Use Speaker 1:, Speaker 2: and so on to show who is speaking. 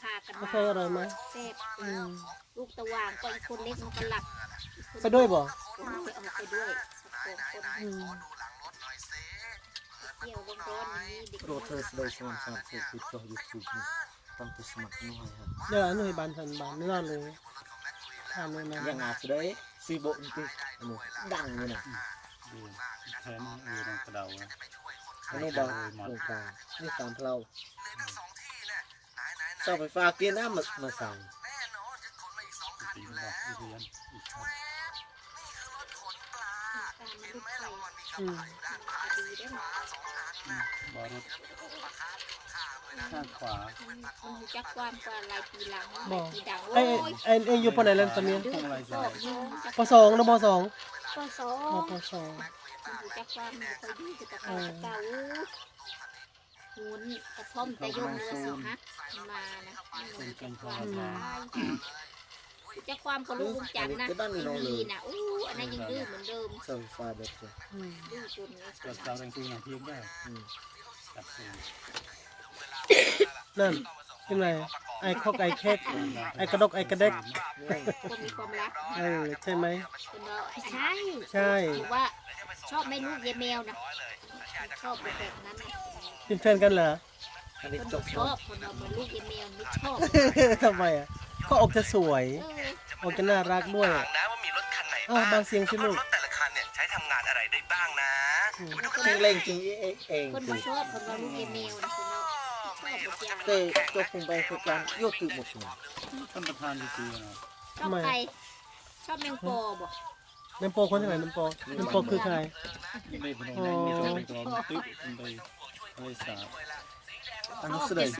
Speaker 1: พากัน
Speaker 2: กาแฟอร่อยไหม
Speaker 1: เสพลูกตะวางก็อีกคนเล็กมันก็หลับ
Speaker 2: ไปด้วยบ่
Speaker 1: ผมไปเอาไปด้วยสักคนเกี่ยวลงร้อนนี้เด็ก
Speaker 3: โรเทอร์สโดยสมานคือติดต่อ YouTube นี่ต้องไปสมัครหน่อยครับ
Speaker 2: เดี๋ยวหน่วยบานทันบานไม่รอดเลยทำเลยนะ
Speaker 3: ยังอาจจะได้ซีโบอินติดังเลยนะ
Speaker 4: ดูแทนในกระเดา
Speaker 3: อันนี้บอกโครงการนี่ตามเราเสาไฟฟ้าเกียร์น้ำมาสั่ง
Speaker 4: ตีนบอกเรียนอีกครับ
Speaker 1: การมันลุกไป
Speaker 2: อืม
Speaker 1: ดีได้หมด
Speaker 4: บอรถข้างขวา
Speaker 1: มันรู้จักความกว่าหลายปีหลังห
Speaker 2: บ
Speaker 1: ลา
Speaker 2: อย ก
Speaker 1: ปีดัง
Speaker 2: ไอ้
Speaker 1: โอ้ย
Speaker 2: ไอ้อยู่ปไหนแล้วตอนนี้
Speaker 1: ดื้อก็ยิงจัก
Speaker 2: ปสองนะปสอง
Speaker 1: ปสอ
Speaker 2: อ๋อง ปสอง
Speaker 1: มันรู้จักความมันค่อยดีแต่เก่าเก่าหุนกระท่อมแต่ยมเรือสิฮะมานะมันรู้จักความรู้จักความกระลูกจันนะดีนะอู้อันนั้นยังดื้อเหมือนเดิม
Speaker 3: เสาไฟฟ้าแบบนี้
Speaker 2: อืม
Speaker 1: ดื้อจน
Speaker 4: กระเดาแรงตีอย่างเพียงได้จับเอง
Speaker 2: นั่นยังไงไอ้ข้อไก่เค้กไอ้กระดกไอ้กระเด็ก
Speaker 1: คนมีความรัก
Speaker 2: ใช่ไหม
Speaker 1: เป็นว่าใช่
Speaker 2: ใช่
Speaker 1: หรือว่าชอบไม่ลูกเยแมวนะชอบแบบนั้นนะ
Speaker 2: เป็นแฟนกันเหรอ
Speaker 3: อันนี้
Speaker 1: คน
Speaker 3: จบ
Speaker 1: ชอบคนเราเหมือนลูกเยแมวไม่ชอบ
Speaker 2: ทำไมอ่ะก็ออกจะสวยออกจะน่ารักด้วย
Speaker 5: ถามนะว่ามีรถคันไหน
Speaker 2: อ้าวบางเสียงสิลูก
Speaker 5: รถแต่ละคันเนี่ยใช้ทำงานอะไรได้บ้างนะ
Speaker 3: จริงเล่งจริงเอง
Speaker 1: คนไม่ชอบคนเราลูกเยแมวนะคนเราชอบแบบอย่าง
Speaker 3: แต่ตัวคงไปคือการโยกตึกหมดเลย
Speaker 4: ท่านประธานดีๆนะ
Speaker 1: ชอบใครชอบแมงปอบ่
Speaker 2: น้ำโปคนที่ไหนน้ำโปน้ำโปคือใคร
Speaker 4: ไม่เป็นไรไม่ต้องไปตึ๊บไปสาบ
Speaker 3: อันนี้แสดง